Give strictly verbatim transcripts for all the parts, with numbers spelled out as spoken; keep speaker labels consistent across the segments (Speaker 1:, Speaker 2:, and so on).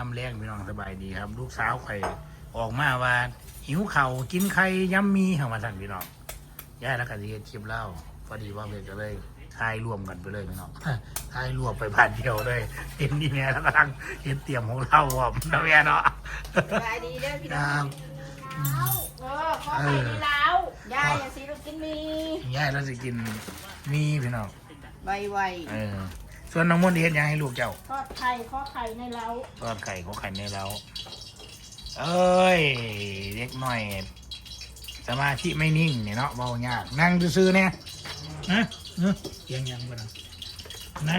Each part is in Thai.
Speaker 1: ามแรงพี่น้องสบายดีครับ ลูกสาวไข่ออกมาว่าหิวเข่ากินไข่ยำมีเข้ามาสั่นพี่น้องย่าแล้วกันที่คลิปเล่าพอดีว่าเลยก็เลยทายรวมกันไปเลยพี่น้องทายรวมไปผ่านเดียวเลยเห็นดีแม่แล้วกำลังเห็นเตรียมของเราอ่ะนะแม่เนาะ
Speaker 2: สบายดีเด้อพี่น้องเออขอไข่ดีแล้วยายอย่าสิลูกกินมี
Speaker 1: ย่าแล้วจะกินมีพี่น้อง
Speaker 2: ไว
Speaker 1: เออส่วนน้องมนต์เห็นยังให้ลูกเจ้า
Speaker 2: ๆทอดไข่ข้อไข่ในเล้า
Speaker 1: ทอดไข่ของไข่ในเราเอ้ยเล็กหน่อยสมาธิไม่นิ่งเนี่ยเนาะเบายากนั่งซื่อๆเนี่ยนะเนอะเอียงยังบ่นะนั่ง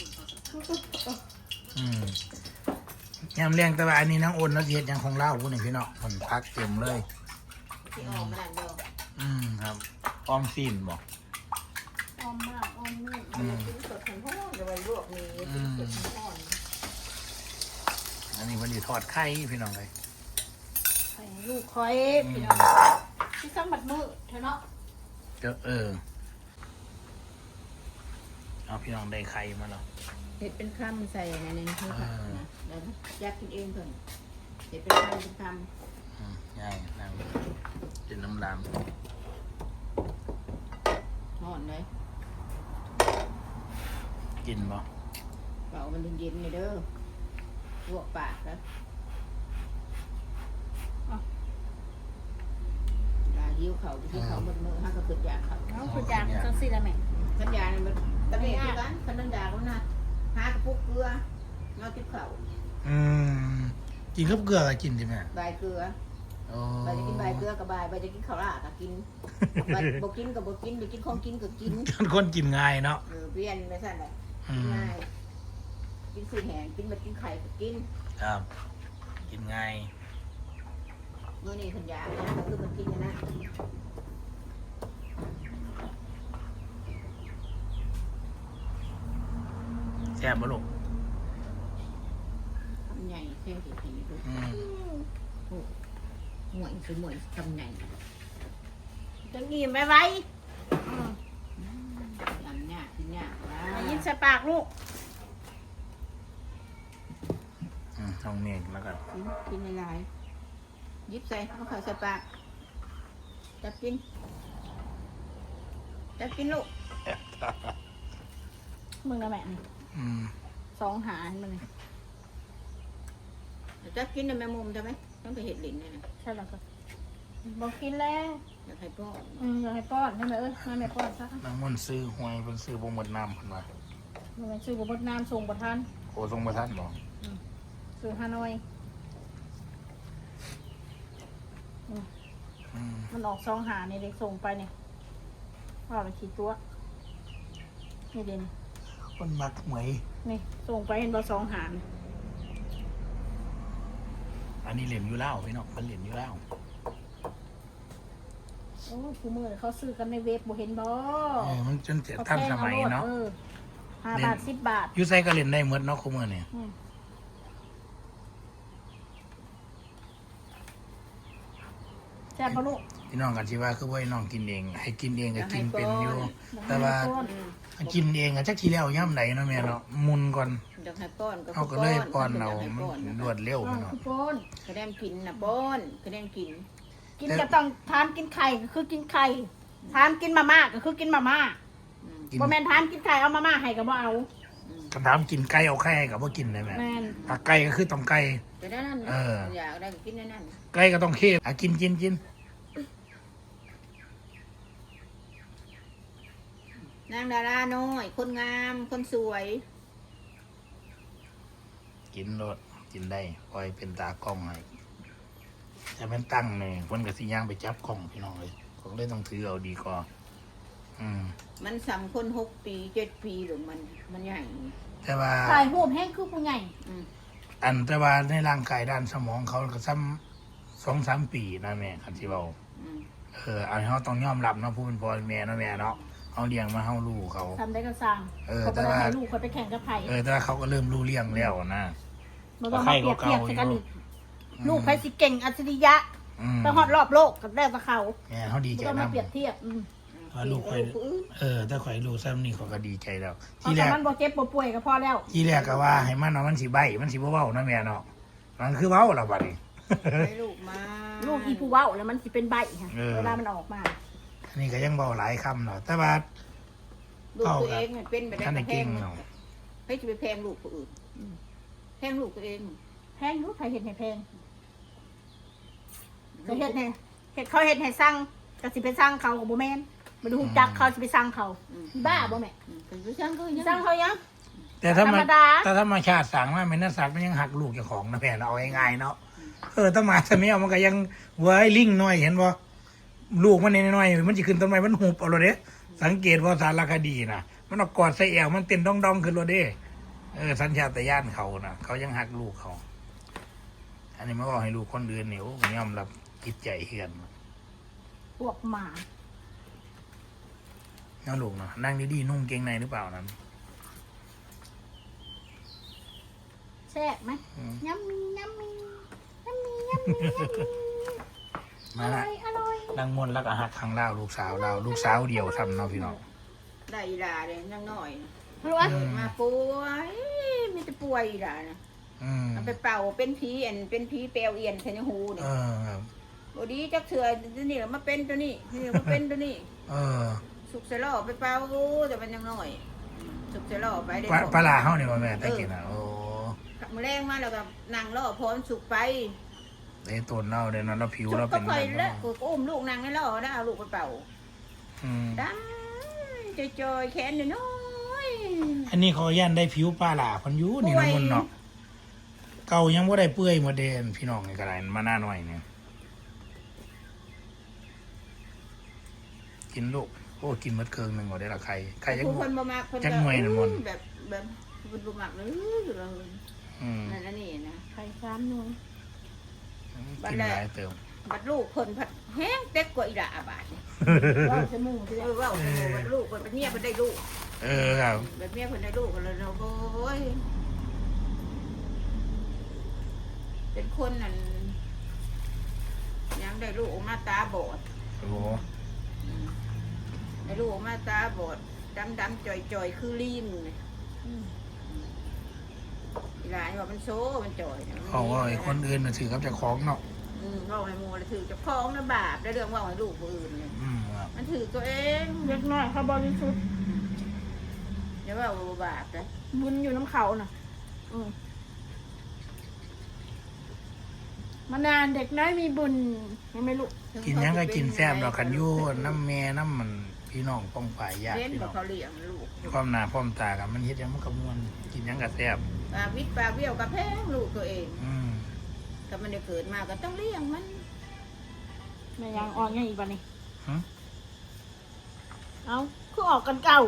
Speaker 1: อืมยำเลี้ยงแต่ว่าอันนี้น้องอ้นแล้วเฮ็ดยังคงเล่าพูดหนึ่งพี่เนาะคนพักเต็มเลย
Speaker 2: ที่ออกมาดันเดียว
Speaker 1: อืมครับออมซีนบอก
Speaker 2: อ้อมมากอ้อมนี่มันกินสดแข็งพ่อจะไว้ลวกนี้กินสดแข็งพ่อ
Speaker 1: อันนี้วันนี้ทอดไข่พี่น้องเลย
Speaker 2: ไข่ลูกคอยพี่น้องที่ซ้ำบัดมือเธอเนาะ
Speaker 1: เจอเออเอาพี่น้องได้ไข่มาแล้ว
Speaker 2: เห็ดเป็นคำใส่ในนี้คือค่ะแล้วยักกินเองเพิ่นเห็ดเป็นคำเป็นค
Speaker 1: อืมง่ายนั่งกินน้ำลาม
Speaker 2: ำห่อนเลย
Speaker 1: กินบ่
Speaker 2: เป่ามันเย็นๆเลยเด้อลวกปากแล้วลาหิวเขาที่เขาหมดมือห้าก็เกิดอยากเขา
Speaker 3: น้องคุณจางจังสิละแม่
Speaker 2: สัญญาเนี่ยมันตะเบียกันคันนันดาเขานะหากระปุกเกลือนอกจิ้มเขา
Speaker 1: อืมกินกับเกลือก็กินดิแม่
Speaker 2: ใบเกลือ
Speaker 1: โอ้
Speaker 2: ใบจะกินใบเกลือกับใบใบจะกินข้าวราดก็กินใบบ่กินกับบ่กินไปกินของกินก็กิน
Speaker 1: คนกินง่ายเนาะ
Speaker 2: เออเปลี่ยนไม่สั่นเลย
Speaker 1: อืม
Speaker 2: ง่ายกินสีแหงกินแบบกินไข่ก็กิน
Speaker 1: ครับ กินง่าย
Speaker 2: เมื่อนี้สัญญาเนี่ยก็คือมันกินนะ
Speaker 1: แซ่บบ่ลูก
Speaker 2: ทำใหญ่เท่สิทีดู
Speaker 1: อืม
Speaker 2: หมวยคือหมวยทำใหญ่
Speaker 3: จังอิ่มไว้ไว้
Speaker 2: ยำเนี่ยกินเนี่ยว้า
Speaker 3: ได้ยินใส่ปากลูก
Speaker 1: อืมทองเมฆแล้วก็
Speaker 2: กินกินในลายยิบใส่เอาข้าวใส่ปากจับกินจับกินลูก
Speaker 3: มึงนะแม่นี่
Speaker 1: อืม
Speaker 3: สองหามึงนี่
Speaker 2: จับกินในแม่มุมใช่ไหมต้องไปเห็ดหลินเนี่ยนะ
Speaker 3: ใช่แล้วก็บอกกินแล้ว
Speaker 2: อยากให้พ่อ
Speaker 3: อืมอยากให้ป้อนให้แม่เอ้ยให้แม่ป้อนซะ
Speaker 1: น้ำมันต์ซื้อหวยเพิ่นซื้อบ่หมดน้ำเพิ่นว่า
Speaker 3: มันเป็นชื่อบทน้ำส่งประทาน
Speaker 1: โอ้ทรงบ่ทันบ่
Speaker 3: สื่อฮานอย
Speaker 1: อืม
Speaker 3: มันออกสองหาในเด็กส่งไปเนี่ยว่าไปขีดตัวนี่เด่น
Speaker 1: คนมักหวย
Speaker 3: นี่ส่งไปเห็นบอสองหาเนี่ย
Speaker 1: อันนี้เหรียญอยู่แล้วพี่น้องมันเหรียญอยู่แล้ว
Speaker 3: โอ้คูมือเขาซื้อกันในเว็บบ่เห็นบ่
Speaker 1: เออมันจนจะทันสมัยเนาะ
Speaker 3: ออห้าบาทสิบบาท
Speaker 1: อยู่ไสก็เล่นได้หมดเนาะคุมื้อนี่
Speaker 3: อืมแซ่บปะลูก
Speaker 1: พี่น้องกันสิว่าคือบ่ให้น้องกินเอง ให้กินเองก็กินเป็นอยู่ แต่ว่า
Speaker 3: ป้อน
Speaker 1: กินเองอะจักทีแล้วย่ำไหนเนาะแม่เนาะมุนก่อน
Speaker 2: อยากให้ป้อนก็
Speaker 1: เอาก็เลยป้อนเอา
Speaker 2: ให้
Speaker 1: มัน
Speaker 2: ป้อน
Speaker 1: รวดเร็ว
Speaker 3: ป้อ
Speaker 1: พี่
Speaker 3: น
Speaker 1: น้อง
Speaker 3: คือป้อน
Speaker 2: กระเดมกินนะป้อนกระเดมกิน
Speaker 3: กินจะต้องทานกินไข่ก็คือกินไข่ทานกินมาม่าก็คือกินมาม่า
Speaker 2: อืม
Speaker 1: กิน
Speaker 3: บ่แม่นทานกินไข่เอามาม่าให้ก็บ่เอา
Speaker 2: อืม
Speaker 1: คำถามกินไก่เอาไข่ให้ก็บ่กินได้แม่
Speaker 3: แม่น
Speaker 1: ถ้าไก่ก็คือต้องไก่
Speaker 2: แต่ได้นั่น
Speaker 1: เออ
Speaker 2: อยากได้ก็กินได้นั่น
Speaker 1: ไก่ก็ต้องเข้อ่ะกินกินกิน
Speaker 2: นางดาราน้อย คนงาม คนสวย
Speaker 1: กินรสกินได้คอยเป็นตากล้องให้จะเป็นตั้งเนี่ยเพิ่นก็สิย่างไปจับกล้องพี่น้องเลยผมเลยต้องถือเอาดีกว่าอืม
Speaker 2: มันสำคนหกปีเจ็ดปีหรือมันมันใหญ่
Speaker 1: แต่ว่า
Speaker 3: ถ่ายรูปแห้งคือผู้ใหญ่
Speaker 2: อืม
Speaker 1: อันแต่ว่าในร่างกายด้านสมองเขาก็ซ้ำสองสามปีนะแม่คันที่เบา
Speaker 2: อืม
Speaker 1: เอออันนี้เขาต้องยอมรับเนาะผู้เป็นพ่อเป็นแม่เนาะแม่เนาะเขาเลี้ยงมาเขาลูกเขา
Speaker 3: ทำได้ก็สั่ง
Speaker 1: เออ
Speaker 3: เขา
Speaker 1: แต่
Speaker 3: ก็ได้
Speaker 1: ว่า
Speaker 3: ให้ลูกเขาไปแข่งกับไผ่
Speaker 1: เออแต่ว่าเขาก็เริ่มรู้เลี้ยงแล้วนะ
Speaker 3: มันต้องมาเปรียบเทียบกันอีก
Speaker 1: อืม
Speaker 3: ลูกไผ่สิเก่งอัจฉริยะ
Speaker 1: อืม
Speaker 3: ไปฮอดรอบโลกกับได้กับเขา
Speaker 1: แม่เขาดี
Speaker 3: ไม่
Speaker 1: ใจ
Speaker 3: ต้อง
Speaker 1: นะ
Speaker 3: มาเปรียบเทียบอืม
Speaker 1: ว่าลูก
Speaker 2: ไป
Speaker 1: ข่อย
Speaker 2: ผู้อื่น
Speaker 1: เออถ้าข่อยรู้ซ้ำนี่เขาก็ดีใจแล้ว
Speaker 3: เพ
Speaker 1: ที่
Speaker 3: ราะ
Speaker 1: แร
Speaker 3: แต่
Speaker 1: ก
Speaker 3: มันบ่เจ็บบ่ป่วยก็พอแล้ว
Speaker 1: ที่แรกก็ว่าให้มันเอามันสิใบมันสิบ่เว้านะแม่เนาะมันคือเว้าละบัดนี้
Speaker 2: ให้ลูกมา
Speaker 3: ลูกอีผู้เว้าแล้วมันสิเป็นใบค่ะ
Speaker 1: เออ
Speaker 3: เวลามันออกมา
Speaker 1: อันนี้ก็ยังเบาหลายคำเนาะแต่ว่า
Speaker 2: ลูกตัวเองมันเป็นไปได้
Speaker 1: ท่านได้
Speaker 2: แพ
Speaker 1: เก่
Speaker 2: ง
Speaker 1: งเนาะ
Speaker 2: ให้จะไปแพงลูกคนอื่นแพงลูกตัวเอง
Speaker 3: แพงรู้ใครเห็นให้แพงเขาเห็ดให้เห็ดเขาเห็ดให้สั่งก็สิไปสั่งเขากับโบแมนมาดูจักเขาสิไปสั่งเขาบ้าบ่แม่
Speaker 2: เป็นผู้ช่างก็ยัง
Speaker 3: สั่งเขายัง
Speaker 1: แต่ถ้า
Speaker 3: ธร
Speaker 1: มาร
Speaker 3: มดา
Speaker 1: แต่ธรรมชาติสั่งมาเป็นนักสัตว์มันยังหักลูกเจ้าของนะแม่เราเอาง่ายๆเนาะเออถ้ามาถ้าไม่เอามันก็ยังเว้ยลิงน้อยเห็นบ่ลูกมันน้อยๆมันจะขึ้นต้นไม้มันหุบเอาเลยเด้สังเกตว่าสารคดีนะมันเอากอดใส่แอวมันเต้นดองๆขึ้นเลยเด้เออสัญชาตญาณเขานะเขายังหักลูกเขา อันนี้มาบอกให้ลูกคนอื่นเนี่ยโอ้ยอมรับจิตใจเฮือน
Speaker 3: พวกหมา
Speaker 1: เนาะลูกเนาะนั่งดีๆนุ่งเกงในหรือเปล่านั้น
Speaker 3: แซ่บไหม
Speaker 1: อืม
Speaker 3: ยำมียำมียำมียำมียำมีอ
Speaker 1: มา
Speaker 3: ร่
Speaker 1: ละ
Speaker 3: อยอร่อย
Speaker 1: นั่งมวนรักอาหักข้างเล่าลูกสาวเราลูกสาวเดียวทำเนาะพี่น้อง
Speaker 2: ได้อีหลาเลยยังน้อย
Speaker 3: รู้ว่า
Speaker 1: อืม
Speaker 2: มาป่วยมีแต่ป่วยอีหลานะ
Speaker 1: อืม
Speaker 2: มันไปเป่าเป็นผีอันเป็นผีเปลวเอียนเทนหูเนี่
Speaker 1: เอย อครับ
Speaker 2: บดีจักเถื่อนี่แหละมาเป็นตัวนี้นี่มาเป็นตัวนี้
Speaker 1: เออ
Speaker 2: สุกเสลอไปเป่าแต่มันยังน้อยสุกเสลอไปได้
Speaker 1: ปลาปลาลาเฮานี่ว่าแม่แต่กินอ่ะโอ้
Speaker 2: มาแรงมาแล้วก็นั่งล่อพร้อมสุกไป
Speaker 1: ได้ต้นเน่าเด้เนาะแล้วผิว
Speaker 2: สุก
Speaker 1: เรา
Speaker 2: ก็
Speaker 1: เป็น
Speaker 2: คอย
Speaker 1: แบบ
Speaker 2: แล้ว
Speaker 1: เนาะ
Speaker 2: กูก็อุ้มลูกนั่งในล่อแล้วเอาลูกไปเป่า
Speaker 1: อืม
Speaker 2: ดำจอยๆแขนน้อย
Speaker 1: อันนี้เขาย่านได้ผิวปลาลาเพันอยูนี่นะมันเนาะเก่ายังบ่ได้เปื่อยหมดเดนพี่น้องนี่ก็ได้มาหน้าหน่อยเนี่ยกินลูกโอ้กินหมดเกิงหนึงบ่ได้ละใครใครยัง
Speaker 2: ผู้
Speaker 1: บ่
Speaker 2: คนบ่มากคน
Speaker 1: จักหน่วยน่ะมน
Speaker 2: แบบแบบคนบ่มากเลยเลย
Speaker 1: อืม
Speaker 2: นั่นนี่นะ
Speaker 3: ไข่สามหน่วย
Speaker 1: กินหลายเติม
Speaker 2: บัดลูกคนผัดแห้งเต็กกว่าอีหล่าบาท
Speaker 3: ว่าจะมุ่งสิ
Speaker 2: เออว่าโอ้โหบัดลูกคนบัดเมียคนได้ลูก
Speaker 1: เออครับ
Speaker 2: บัดเมียคนได้ลูกกันเลยเนาะโอ้ยเป็นคนนั่นยังได้ลูกออกมาตาบอด
Speaker 1: โอ้โห
Speaker 2: ได้ลูกออกมาตาบอดดำดำๆจ่อยจ่อยๆคือลิงเนี่ยอีหลานว่ามันโซ่มันจ่อยนะ
Speaker 1: เขาว่าไอ้คนอื่นน่ะถือกับเจ้าของเนาะ
Speaker 2: อืมว่าให้โมเลยถือจะคล้องนะบาปได้เรื่องว่าให้ลูกผู้อื่นเนี่ย
Speaker 1: อืมครับ
Speaker 2: มันถือตัวเอง
Speaker 3: เล็กน้อยเขาบริสุทธิ์
Speaker 2: อย่าว่าว่าบาปนะ
Speaker 3: บุญอยู่น้ำเขาน่ะอืมมานานเด็กน้อยมีบุญยังไม่รู้
Speaker 1: กินหยังก็กินแซ่บดอกคันอยูน้ำแม่น้ำมันพี่น้องป้องฝ่ายญาติ
Speaker 2: เล่น
Speaker 1: พี่
Speaker 2: บ
Speaker 1: น้
Speaker 2: อ
Speaker 1: อก ง
Speaker 2: เขาเลี้ยงลูก
Speaker 1: ความหน้าพร้อมตากันมันเฮ็ดหยังมันก็ม่วนกินหยังก็แซ่บ
Speaker 2: ปากวิทย์ปากเบี้ยวกับแพงลูกตัวเอง
Speaker 1: อืม
Speaker 2: ถ้ามันได้เกิดมาก็ต้องเลี้ยงมัน
Speaker 3: แม่ยังออกยังอีกวันนี้
Speaker 1: หึ
Speaker 3: เอาคือออกกันเก่า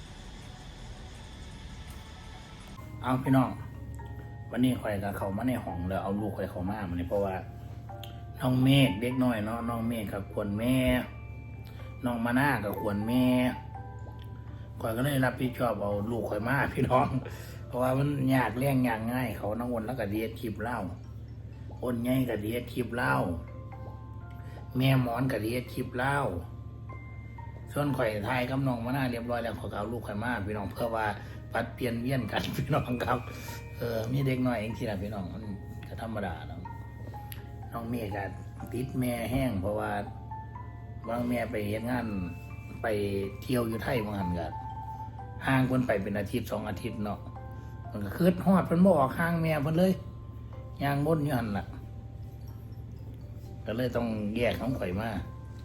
Speaker 1: เอาพี่น้องวันนี้ข่อยก็เข้ามาในห้องแล้วเอาลูกข่อยเข้ามามันนี่เพราะว่าน้องเมฆเด็กน้อยเนาะน้องเมฆกับควรแม่น้องมานากับควรแม่ข่อยก็เลยรับผิดชอบเอาลูกข่อยมาพี่น้อง เพราะว่ามันยากเลี้ยงยากง่ายเขาน้องวนแล้วก็เดียดคลิปเล่าอ้นใหญ่ก็เดียดคลิปเล่าแม่หมอนก็เดียดคลิปเล่าส่วนข่อยทายกับน้องมานาเรียบร้อยแล้วข่อยก็เอาลูกข่อยมาพี่น้องเพื่อว่าปัดเปลี่ยนเวียนกัน พี่น้องครับ เออมีเด็กน้อยเองที่ละพี่น้องมันก็ธรรมดาเนาะน้องเมฆก็ติดแม่แห้งเพราะว่าบางแม่ไปเฮ็ดงานไปเที่ยวอยู่ไทยบางหันก็ห่างเพิ่นไปเป็นอาทิตย์สองอาทิตย์เนาะมันก็คืดฮอดเพิ่นบ่ออกห่างแม่เพิ่นเลยย่างบนอยู่หั่นล่ะก็เลยต้องแยกของข่อยมา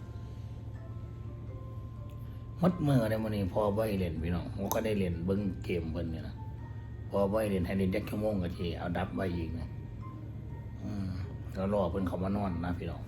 Speaker 1: หมดมือได้มื้อนี้พอบ่ให้เล่นพี่น้องผมก็ได้เล่นเบิ่งเกมเพิ่นนี่นะพอบ่ให้เล่นให้เล่นจักชั่วโมงก็สิเอาดับไว้อีกนะอืมแล้วรอเพิ่นเข้ามานอนนะพี่น้อง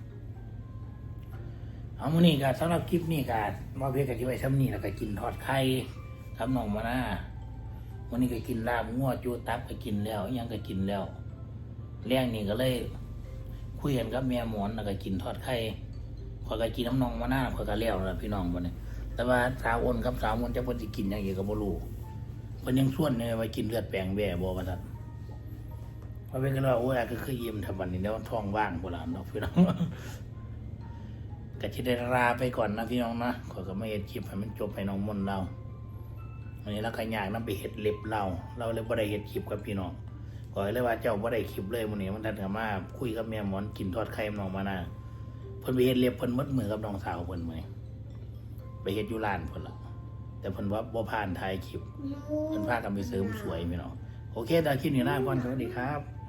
Speaker 1: เอามื้อนี้ก็สำหรับคลิปนี้ก็มาเพียงก็สิไว้ซ้ำนี้แล้วก็กินทอดไข่กับน้องมานาวันนี้ก็กินลาบงัวจูตับก็กินแล้วอิหยังก็กินแล้วแรงนี่ก็เลยคุยกันกับแม่หมอนแล้วก็กินทอดไข่ข้อยก็กินน้ำนองมานาข้อยก็แล้วแล้วพี่น้องบัดนี้แต่ว่าสาวอ้นกับสาวมนจะเพิ่นสิกินหยังอีกก็บ่รู้เพิ่นยังชวนเลยว่ากินเลือดแปลงแบ่บ่ว่าซั่นพอเป็นกันว่าโอ้ยก็คือยิ้มทำบัดนี้แล้วท้องว่างพุ่นล่ะเนาะพี่น้อง ก็สิได้ลาไปก่อนนะพี่น้องนะข้อยก็มาเฮ็ดคลิปให้มันจบให้น้องมนต์เราวันนี้เราก็อยากนำไปเฮ็ดเล็บเราเราเลยบ่ได้เฮ็ดคลิปกับพี่น้องขอให้เลยว่าเจ้าบ่ได้คลิปเลยมื้อนี้มันทันกับมาคุยกับแม่หมอนกินทอดไข่น้องมานาเพิ่นไปเฮ็ดเล็บเพิ่นหมดมือกับน้องสาวเพิ่นมื้อนี้ไปเฮ็ดอยู่ร้านเพิ่นล่ะแต่เพิ่นว่าบ่ผ่านถ่ายคลิปเพิ่นพากันไปเสริมสวยพี่น้องโอเคตอนคลิปนี้ลาก่อนสวัสดีครับ